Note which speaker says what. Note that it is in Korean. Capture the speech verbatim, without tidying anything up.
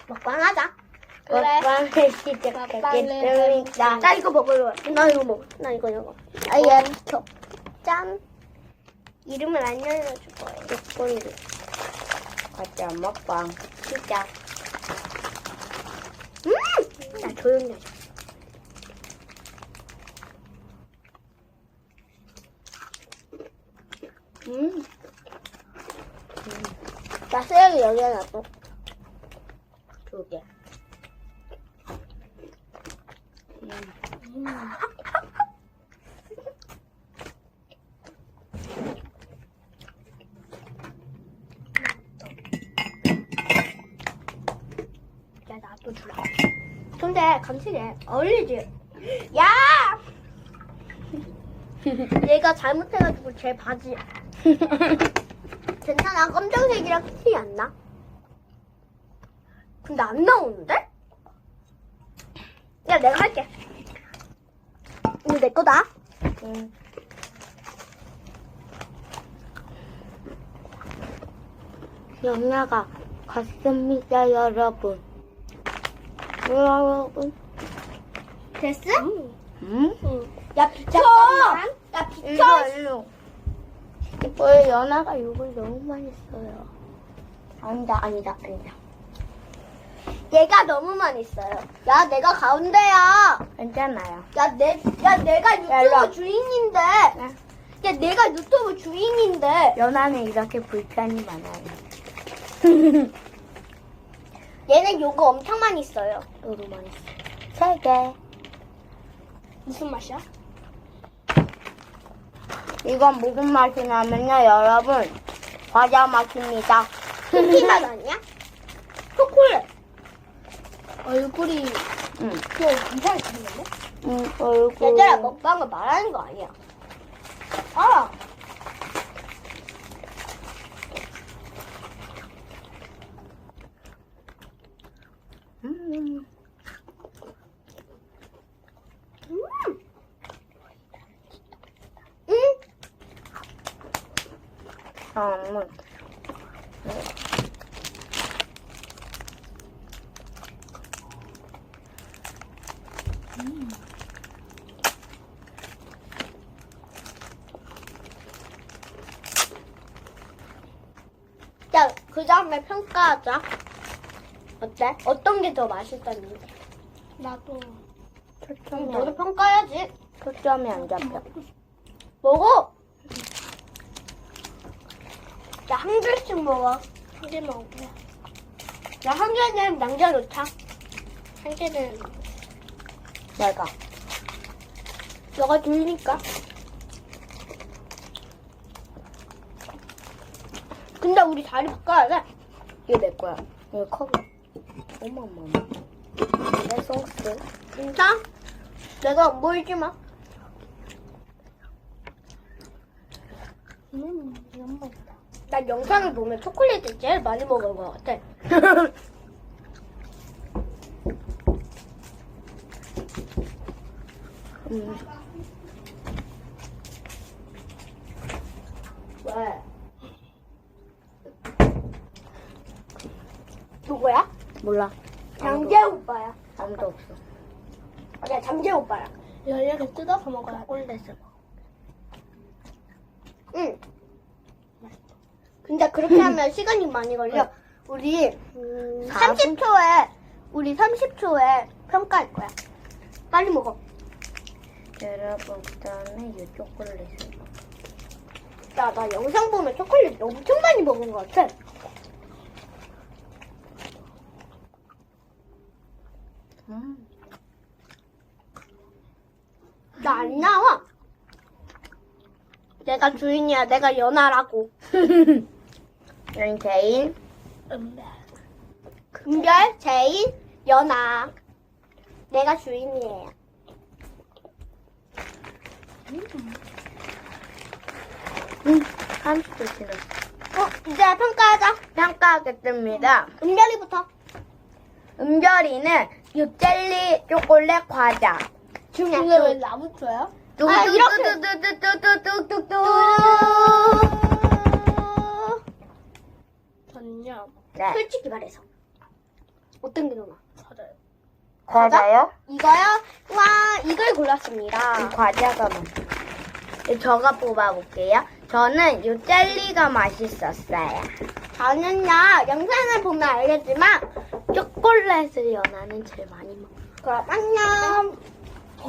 Speaker 1: 먹방하자.
Speaker 2: 그래.
Speaker 1: 먹방을 시작하겠습니다. 나 이거 먹을래. 나 이거 먹어. 나 이거 이거. 아예 비켜. 짠. 이름을 안 알려줄 거예요.
Speaker 2: 초콜릿. 가짜 먹방.
Speaker 1: 진짜. 음! 나 조용히 하자.
Speaker 2: 음.
Speaker 1: 나 쓰레기 여기에 놔둬.
Speaker 2: 두 개. 음.
Speaker 1: 야, 나도 주라. 근데 간식에 어울리지? 야! 얘가 잘못해가지고 제 바지야. 괜찮아. 검정색이랑 티 안 나. 근데 안 나오는데? 야, 내가 할게. 이거 내 거다.
Speaker 2: 음. 연아가 갔습니다, 여러분. 여러분.
Speaker 1: 됐어?
Speaker 2: 음?
Speaker 1: 응. 야, 비켜!
Speaker 2: 잠깐만.
Speaker 1: 야, 비켜!
Speaker 2: 일로, 일로. 왜 연아가 욕을 너무 많이 써요? 아니다, 아니다, 아니다.
Speaker 1: 얘가 너무 많이 써요. 야, 내가 가운데야.
Speaker 2: 괜찮아요.
Speaker 1: 야, 내, 야, 내가
Speaker 2: 야, 일로 와.
Speaker 1: 유튜브 주인인데. 야, 내가 유튜브 주인인데.
Speaker 2: 연아는 이렇게 불편이 많아요.
Speaker 1: 얘는 요거 엄청 많이 써요.
Speaker 2: 너도 많이 써. 세 개.
Speaker 1: 무슨 맛이야?
Speaker 2: 이건 무슨 맛이 나면요, 여러분. 과자 맛입니다.
Speaker 1: 쿠키 맛 아니야? 초콜릿. 얼굴이
Speaker 2: 응.
Speaker 1: 그냥 이상하게 생겼네?
Speaker 2: 응, 얼굴.
Speaker 1: 얘들아, 먹방을 말하는 거 아니야. 알아.
Speaker 2: 음.
Speaker 1: 음. 응?
Speaker 2: 음.
Speaker 1: 자, 그 다음에 평가하자. 어때? 어떤 게 더 맛있었는지. 나도.
Speaker 2: 초점이,
Speaker 1: 너도
Speaker 2: 안,
Speaker 1: 평가해야지.
Speaker 2: 초점이 안 잡혀.
Speaker 1: 먹어. 야, 한 개씩 먹어. 한 개 먹을게. 야, 한 개는 남겨놓자. 한 개는
Speaker 2: 내가.
Speaker 1: 너가 줄니까. 근데 우리 자리 바꿔야 돼.
Speaker 2: 이거 내 거야. 이거 컵. 어머머머. 내 소스.
Speaker 1: 진짜? 내가 안 보이지 마. 음, 너무 맛있다. 난 영상을 보면 초콜릿을 제일 많이 먹은 것 같아.
Speaker 2: 음.
Speaker 1: 왜? 누구야?
Speaker 2: 몰라.
Speaker 1: 장재 오빠야.
Speaker 2: 아무도 없어.
Speaker 1: 아니야, 장재 오빠야. 이렇게 뜯어서 먹어야 꼴대서. 응. 근데 그렇게 하면 시간이 많이 걸려. 우리 음,
Speaker 2: 사 분?
Speaker 1: 삼십 초에 우리 삼십 초에 평가할 거야. 빨리 먹어.
Speaker 2: 여러분, 그 다음에 이 초콜릿을.
Speaker 1: 야, 나 영상 보면 초콜릿 엄청 많이 먹은 것 같아.
Speaker 2: 음.
Speaker 1: 나 안 나와. 내가 주인이야. 내가 연하라고.
Speaker 2: 난 개인.
Speaker 1: 금별, 제인, 연하. 내가 주인이에요.
Speaker 2: 음, 삼십 초 지났어.
Speaker 1: 어, 이제 평가하자.
Speaker 2: 평가하겠습니다.
Speaker 1: 은별이부터.
Speaker 2: 은별이는 이 젤리 초콜릿 과자.
Speaker 1: 중요해. 이게 왜 나부터요? 아, 이렇게.
Speaker 2: 뚜뚜뚜뚜뚜뚜뚜뚜뚜.
Speaker 1: 저는요.
Speaker 2: 네.
Speaker 1: 솔직히 말해서 어떤 게 더 나아?
Speaker 2: 과자요. 과자요?
Speaker 1: 이거요? 와, 이걸 골랐습니다.
Speaker 2: 이 과자가 맛. 저가 뽑아볼게요. 저는 이 젤리가 맛있었어요.
Speaker 1: 저는요, 영상을 보면 알겠지만,
Speaker 2: 초콜릿을 연하는 제일 많이 먹어요.
Speaker 1: 그럼 안녕.